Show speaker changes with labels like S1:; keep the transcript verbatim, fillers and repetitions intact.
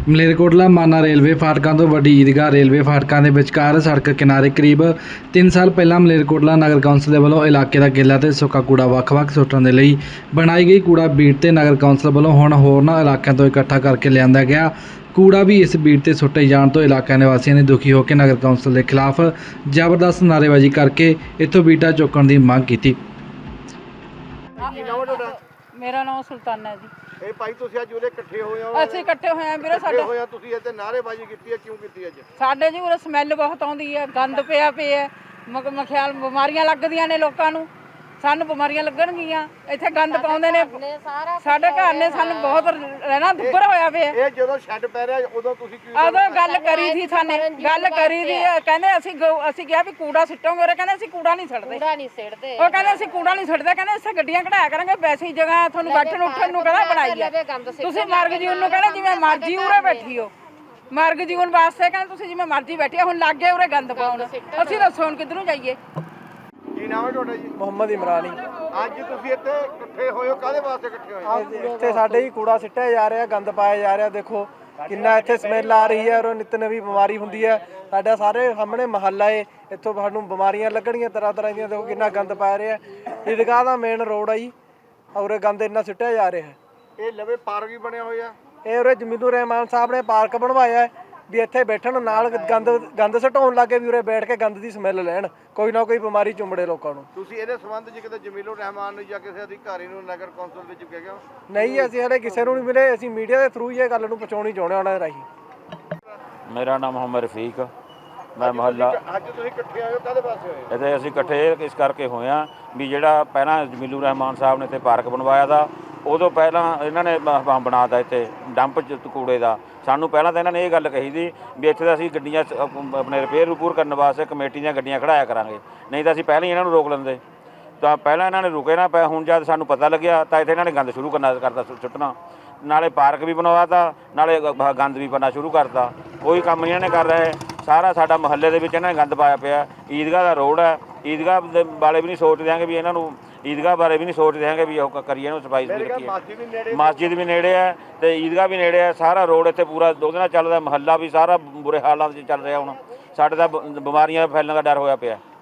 S1: ਮਲੇਰਕੋਟਲਾ ਮਾਨਾ ਰੇਲਵੇ ਫਾਟਕਾਂ ਤੋਂ ਵੱਡੀ ਈਦਗਾਹ ਰੇਲਵੇ ਫਾਟਕਾਂ ਦੇ ਵਿਚਕਾਰ ਸੜਕ ਕਿਨਾਰੇ ਕਰੀਬ ਤਿੰਨ ਸਾਲ ਪਹਿਲਾਂ ਮਲੇਰਕੋਟਲਾ ਨਗਰ ਕੌਂਸਲ ਦੇ ਵੱਲੋਂ ਇਲਾਕੇ ਦਾ ਗਿੱਲਾ ਤੇ ਸੁੱਕਾ ਕੂੜਾ ਵੱਖ-ਵੱਖ ਸੁੱਟਣ ਦੇ ਲਈ ਬਣਾਈ ਗਈ ਕੂੜਾ ਬੀਟ ਤੇ ਨਗਰ ਕੌਂਸਲ ਵੱਲੋਂ ਹੁਣ ਹੋਰਨਾਂ ਇਲਾਕਿਆਂ ਤੋਂ ਇਕੱਠਾ ਕਰਕੇ ਲਿਆਂਦਾ ਗਿਆ ਕੂੜਾ ਵੀ ਇਸ ਬੀਟ ਤੇ ਸੁੱਟੇ ਜਾਣ ਤੋਂ ਇਲਾਕਾ ਨਿਵਾਸੀਆਂ ਨੇ ਦੁਖੀ ਹੋ ਕੇ ਨਗਰ ਕੌਂਸਲ ਦੇ ਖਿਲਾਫ ਜ਼ਬਰਦਸਤ ਨਾਅਰੇਬਾਜ਼ੀ ਕਰਕੇ ਇੱਥੋਂ ਬੀਟਾਂ ਚੁੱਕਣ ਦੀ ਮੰਗ ਕੀਤੀ।
S2: मेरा नाम सुल्ताना है जी।
S3: ਇਹ ਭਾਈ ਤੁਸੀਂ ਅੱਜ ਉਰੇ ਇਕੱਠੇ ਹੋਏ ਹੋ
S2: ਅਸੀਂ ਇਕੱਠੇ ਹੋਏ ਆਂ ਵੀਰੇ।
S3: ਇਕੱਠੇ
S2: ਸਾਡੇ
S3: ਹੋਏ ਆ ਤੁਸੀਂ ਇੱਥੇ ਨਾਅਰੇਬਾਜ਼ੀ ਕੀਤੀ ਹੈ, ਕਿਉਂ ਕੀਤੀ ਅੱਜ?
S2: ਸਾਡੇ ਜੀ ਉਰੇ ਸਮੈਲ ਬਹੁਤ ਆਉਂਦੀ ਹੈ, ਗੰਦ ਪਿਆ ਪਿਆ ਮਗ ਮਖਿਆਲ ਬਿਮਾਰੀਆਂ ਲੱਗਦੀਆਂ ਨੇ ਲੋਕਾਂ ਨੂੰ, ਸਾਨੂੰ ਬਿਮਾਰੀਆਂ ਲੱਗਣਗੀਆਂ। ਇੱਥੇ ਗੰਦ ਪਾਉਂਦੇ ਨੇ ਸਾਡੇ ਘਰ ਨੇ, ਸਾਨੂੰ ਬਹੁਤ ਰਹਿਣਾ ਦੁੱਬਰ ਹੋਇਆ ਪਿਆ।
S3: ਇਹ ਜਦੋਂ ਛੱਡ ਪੈ ਰਿਹਾ ਉਦੋਂ ਤੁਸੀਂ ਕੀ
S2: ਉਦੋਂ ਗੱਲ ਕਰੀ ਸੀ, ਸਾਨੇ ਗੱਲ ਕਰੀ ਸੀ, ਕਹਿੰਦੇ ਅਸੀਂ ਅਸੀਂ ਕਿਹਾ ਵੀ ਕੂੜਾ ਸਿੱਟੋਗੇ, ਉਹ ਕਹਿੰਦੇ ਅਸੀਂ ਕੂੜਾ ਨਹੀਂ ਸਿੱਟਦੇ,
S4: ਕੂੜਾ ਨਹੀਂ ਸਿੱਟਦੇ।
S2: ਉਹ ਕਹਿੰਦੇ ਅਸੀਂ ਕੂੜਾ ਨਹੀਂ ਸਿੱਟਦੇ, ਕਹਿੰਦੇ ਅਸੀਂ ਗੱਡੀਆਂ ਕਢਾਇਆ ਕਰਾਂਗੇ, ਵੈਸੀ ਜਗ੍ਹਾ ਤੁਹਾਨੂੰ ਬੈਠਣ ਉੱਠਣ ਨੂੰ ਕਹਿੰਦਾ ਬਣਾਈ ਹੈ, ਤੁਸੀਂ ਮਾਰਗ ਜੀਵਨ ਨੂੰ ਕਹਿੰਦੇ ਜਿਵੇਂ ਮਰਜ਼ੀ ਉਰੇ ਬੈਠੀ ਹੋ, ਮਾਰਗ ਜੀਵਨ ਵਾਸਤੇ ਕਹਿੰਦੇ ਤੁਸੀਂ ਜਿਵੇਂ ਮਰਜ਼ੀ ਬੈਠੀ ਹੁਣ ਲੱਗ ਗਏ ਉਰੇ ਗੰਦ ਪਾਉਣ। ਅਸੀਂ ਦੱਸੋ ਹੁਣ ਕਿੱਧਰ ਨੂੰ ਜਾਈਏ?
S3: ਕੀ ਨਾਮ ਹੈ ਤੁਹਾਡਾ ਜੀ?
S5: ਮੁਹੰਮਦ ਇਮਰਾਨੀ।
S3: ਅੱਜ ਤੁਸੀਂ ਇੱਥੇ ਇਕੱਠੇ ਹੋਏ ਹੋ, ਕਾਹਦੇ ਵਾਸਤੇ ਇਕੱਠੇ ਹੋਏ ਹੋ?
S5: ਇੱਥੇ ਸਾਡੇ ਹੀ ਕੂੜਾ ਸਿੱਟਿਆ ਜਾ ਰਿਹਾ, ਗੰਦ ਪਾਇਆ ਜਾ ਰਿਹਾ। ਦੇਖੋ ਕਿੰਨਾ ਇੱਥੇ ਸਮੈਲ ਆ ਰਹੀ ਹੈ ਔਰ ਨਿਤ ਨਵੀਂ ਬਿਮਾਰੀ ਹੁੰਦੀ ਹੈ। ਸਾਡਾ ਸਾਰੇ ਸਾਹਮਣੇ ਮਹੱਲਾ ਏ, ਇੱਥੋਂ ਸਾਨੂੰ ਬਿਮਾਰੀਆਂ ਲੱਗਣਗੀਆਂ ਤਰ੍ਹਾਂ ਤਰ੍ਹਾਂ ਦੀਆਂ। ਦੇਖੋ ਕਿੰਨਾ ਗੰਦ ਪਾਇਆ ਰਿਹਾ। ਈਦਗਾਹ ਦਾ ਮੇਨ ਰੋਡ ਆ ਜੀ ਔਰ ਗੰਦ ਇੰਨਾ ਸਿੱਟਿਆ ਜਾ ਰਿਹਾ ਹੈ।
S3: ਇਹ ਲਵੇ ਪਾਰਕ ਵੀ ਬਣਿਆ ਹੋਇਆ।
S5: ਇਹ ਉਰੇ ਜਮੀਲੁਰ ਰਹਿਮਾਨ ਸਾਹਿਬ ਨੇ ਪਾਰਕ ਬਣਵਾਇਆ ਹੈ ਵੀ ਇੱਥੇ ਬੈਠਣ ਨਾਲ ਗੰਦ ਗੰਦ ਸਟਾਉਣ ਲੱਗੇ ਵੀ ਉਰੇ ਬੈਠ ਕੇ ਗੰਦ ਦੀ ਸਮੈਲ ਲੈਣ, ਕੋਈ ਨਾ ਕੋਈ ਬਿਮਾਰੀ ਚੁੰਬੜੇ ਲੋਕਾਂ ਨੂੰ।
S3: ਤੁਸੀਂ ਇਹਦੇ ਸੰਬੰਧ 'ਚ ਕਿਤੇ ਜਮੀਲੁਰ ਰਹਿਮਾਨ ਨੂੰ ਜਾਂ ਕਿਸੇ ਅਧਿਕਾਰੀ ਨੂੰ ਨਗਰ ਕੌਂਸਲ ਵਿੱਚ ਗਏ ਹੋ?
S5: ਨਹੀਂ, ਅਸੀਂ ਹਲੇ ਕਿਸੇ ਨੂੰ ਨਹੀਂ ਮਿਲੇ। ਅਸੀਂ ਮੀਡੀਆ ਦੇ ਥਰੂ ਹੀ ਇਹ ਗੱਲ ਨੂੰ ਪਹੁੰਚਾਉਣੀ ਚਾਹੁੰਦੇ ਹਾਂ ਉਹਨਾਂ ਦੇ ਰਾਹੀਂ।
S6: ਮੇਰਾ ਨਾਮ ਮੁਹੰਮਦ ਰਫੀਕ, ਮੈਂ ਮੁਹੱਲਾ।
S3: ਅੱਜ ਤੁਸੀਂ ਇਕੱਠੇ ਆਏ ਹੋ, ਕਾਹਦੇ ਵਾਸਤੇ ਹੋਏ?
S6: ਇੱਥੇ ਅਸੀਂ ਇਕੱਠੇ ਇਸ ਕਰਕੇ ਹੋਏ ਹਾਂ ਵੀ ਜਿਹੜਾ ਪਹਿਲਾਂ ਜਮੀਲੁਰ ਰਹਿਮਾਨ ਸਾਹਿਬ ਨੇ ਇੱਥੇ ਪਾਰਕ ਬਣਵਾਇਆ ਦਾ, ਉਦੋਂ ਪਹਿਲਾਂ ਇਹਨਾਂ ਨੇ ਬ- ਬਣਾਤਾ ਇੱਥੇ ਡੰਪ ਚ ਕੂੜੇ ਦਾ। ਸਾਨੂੰ ਪਹਿਲਾਂ ਤਾਂ ਇਹਨਾਂ ਨੇ ਇਹ ਗੱਲ ਕਹੀ ਸੀ ਵੀ ਇੱਥੇ ਤਾਂ ਅਸੀਂ ਗੱਡੀਆਂ ਆਪਣੇ ਰਿਪੇਅਰ ਰਿਪੂਰ ਕਰਨ ਵਾਸਤੇ ਕਮੇਟੀ ਦੀਆਂ ਗੱਡੀਆਂ ਖੜਾਇਆ ਕਰਾਂਗੇ, ਨਹੀਂ ਤਾਂ ਅਸੀਂ ਪਹਿਲਾਂ ਹੀ ਇਹਨਾਂ ਨੂੰ ਰੋਕ ਲੈਂਦੇ। ਤਾਂ ਪਹਿਲਾਂ ਇਹਨਾਂ ਨੇ ਰੁਕੇ ਨਾ ਪਏ, ਹੁਣ ਜਦ ਸਾਨੂੰ ਪਤਾ ਲੱਗਿਆ ਤਾਂ ਇੱਥੇ ਇਹਨਾਂ ਨੇ ਗੰਦ ਸ਼ੁਰੂ ਕਰਨਾ ਕਰਤਾ ਸੁੱਟਣਾ। ਨਾਲੇ ਪਾਰਕ ਵੀ ਬਣਵਾਤਾ, ਨਾਲੇ ਗ- ਗੰਦ ਵੀ ਪਾਉਣਾ ਸ਼ੁਰੂ ਕਰਤਾ। ਕੋਈ ਕੰਮ ਨਹੀਂ ਇਹਨਾਂ ਨੇ ਕਰ ਰਹੇ। ਸਾਰਾ ਸਾਡਾ ਮੁਹੱਲੇ ਦੇ ਵਿੱਚ ਇਹਨਾਂ ਨੇ ਗੰਦ ਪਾਇਆ ਪਿਆ। ਈਦਗਾਹ ਦਾ ਰੋਡ ਹੈ, ਈਦਗਾਹ ਦੇ ਵਾਲੇ ਵੀ ਨਹੀਂ ਸੋਚ ਦਿਆਂਗੇ ਵੀ ਇਹਨਾਂ ਨੂੰ, ਈਦਗਾਹ ਬਾਰੇ ਵੀ ਨਹੀਂ ਸੋਚ ਦਿਆਂਗੇ ਵੀ ਉਹ ਕਰੀਏ ਇਹਨੂੰ ਸਫਾਈ ਸੁਥਰੀ ਰੱਖੀਏ। ਮਸਜਿਦ ਵੀ ਨੇੜੇ ਹੈ ਤੇ ਈਦਗਾਹ ਵੀ ਨੇੜੇ ਹੈ। ਸਾਰਾ ਰੋਡ ਇੱਥੇ ਪੂਰਾ ਉਹਦੇ ਨਾਲ ਚੱਲਦਾ, ਮੁਹੱਲਾ ਵੀ ਸਾਰਾ ਬੁਰੇ ਹਾਲਾਤ 'ਚ ਚੱਲ ਰਿਹਾ। ਹੁਣ ਸਾਡੇ ਤਾਂ ਬ- ਬਿਮਾਰੀਆਂ ਫੈਲਣ ਦਾ ਡਰ ਹੋਇਆ ਪਿਆ।